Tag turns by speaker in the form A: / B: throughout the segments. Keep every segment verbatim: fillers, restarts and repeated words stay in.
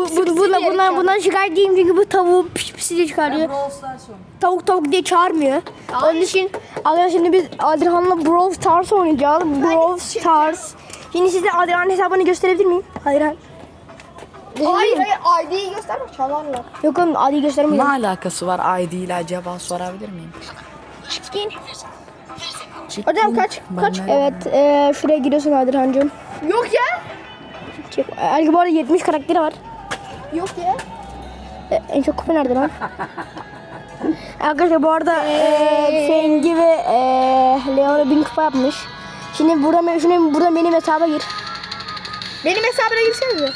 A: bu, bu, bundan, bundan, bundan şikayet değilim çünkü bu tavuğu piş piş diye çıkarıyor. Tavuk tavuk diye çağırmıyor. Onun için arkadaşlar şimdi biz Adrian'la Brawl Stars oynayacağız. Brawl Stars. Şimdi size Adrian'ın hesabını gösterebilir miyim? Adrian.
B: Hayır hayır I D'yi gösterme çalarlar.
A: Yok oğlum Adri'yi
C: Ne
A: göstermiyorum.
C: alakası var I D ile acaba sorabilir miyim?
A: Çıkın.
C: Çıktım.
B: Hocam kaç kaç?
C: Ben de-
A: Evet e, şuraya giriyorsun Adrian'cığım.
B: Yok ya.
A: Çık. Ergi bu arada yetmiş karakteri var.
B: Yok ya.
A: E, en çok kupa nerede lan? Arkadaşlar bu arada e, Fengi ve e, Leon'a bin kupa yapmış. Şimdi burada, şimdi burada benim hesaba gir.
B: Benim hesabına girsenize.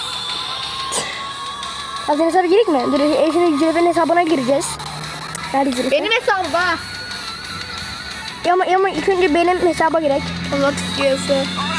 A: Ya senin hesaba girek mi? Dur e, şimdi Züleyfa'nın hesabına gireceğiz. Nerede Züleyfa?
B: Benim hesabım ha.
A: Ya ama, ya ama ilk önce benim hesaba girek.
B: Allah tutuyorsa.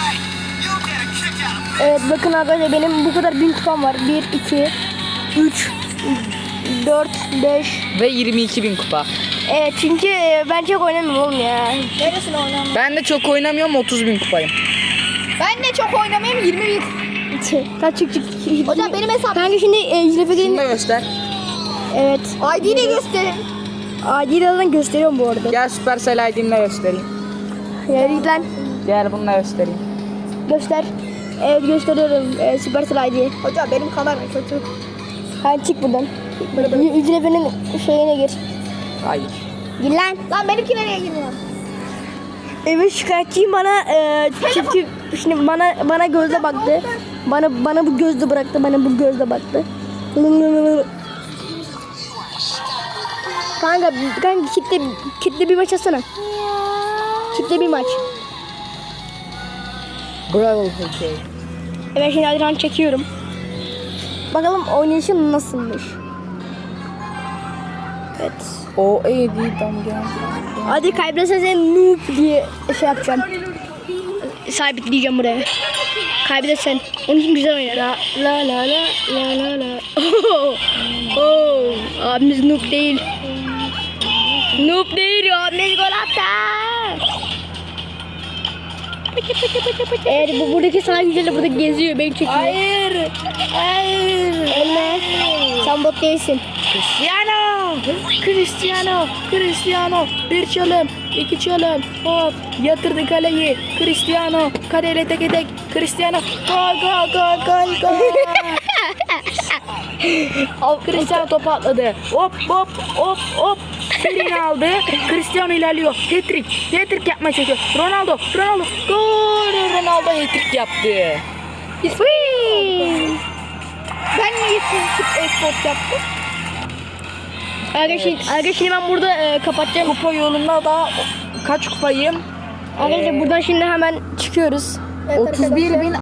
A: Evet bakın arkadaşlar benim bu kadar bin kupam var. bir, iki, üç, dört, beş.
C: Ve yirmi iki bin kupa.
A: Evet çünkü e, ben çok oynamıyorum oğlum ya.
B: Neresine oynamam?
C: Ben de çok oynamıyorum otuz bin kupayım.
B: Ben de çok oynamayayım yirmi bin.
A: Kaç çık çık.
B: Hocam benim hesabım.
A: Kanka şimdi e, Züleyfa
C: Şunu
A: gelin.
C: da göster.
A: Evet.
B: I D'yi de gösterin.
A: Adidadan gösteriyorum bu arada.
C: Gel Supercell I D'mle göstereyim.
A: Ya git lan.
C: Gel bununla göstereyim.
A: Göster. Evet gösteriyorum. E, Supercell I D.
B: Hocam benim kamera kötü.
A: Hadi çık buradan. Züleyfa'nın şeyine gir.
C: Hayır.
A: Gir lan.
B: Lan benimki nereye giriyor?
A: Evet şikayetçiyim bana e, çift şimdi bana bana gözle baktı. Bana bana bu gözle bıraktı. Bana bu gözle baktı. Kanka kanka kitle kitle bir maç atsana. Kitle bir maç.
C: Bravo okay.
A: Evet şimdi Adrian çekiyorum. Bakalım oynayışım nasılmış. Evet.
C: O E D'den gel.
A: Hadi kaybedersen noob diye şey yapacağım. Sabitleyeceğim buraya. Kaybedersen. Onun için güzel oynar. La la la la la la la. Oh, oh. Abimiz noob değil. Noob değil abimiz gol attı. Eğer bu buradaki sahne güzeli burada geziyor beni çekiyor.
C: Hayır. Hayır.
A: Ölme. Sen bot değilsin.
C: Cristiano. Cristiano. Cristiano. Bir çalım. iki çalım. Hop. Yatırdı kaleyi. Cristiano. Kaleyle tek tek. Cristiano. Gol gol gol gol gol. Cristiano topu atladı. Hop hop hop hop. Birini aldı. Cristiano ilerliyor. Hat-trick. Hat-trick yapmaya çalışıyor. Ronaldo. Ronaldo. Gol. Ronaldo hat-trick yaptı.
B: Ben niye şut esport yaptım?
A: Arkadaşlar, arkadaşlar şimdi ben burada e, kapatacağım.
C: Kupa yolunda da kaç kupayım?
A: Arkadaşlar buradan şimdi hemen çıkıyoruz.
C: otuz bir bin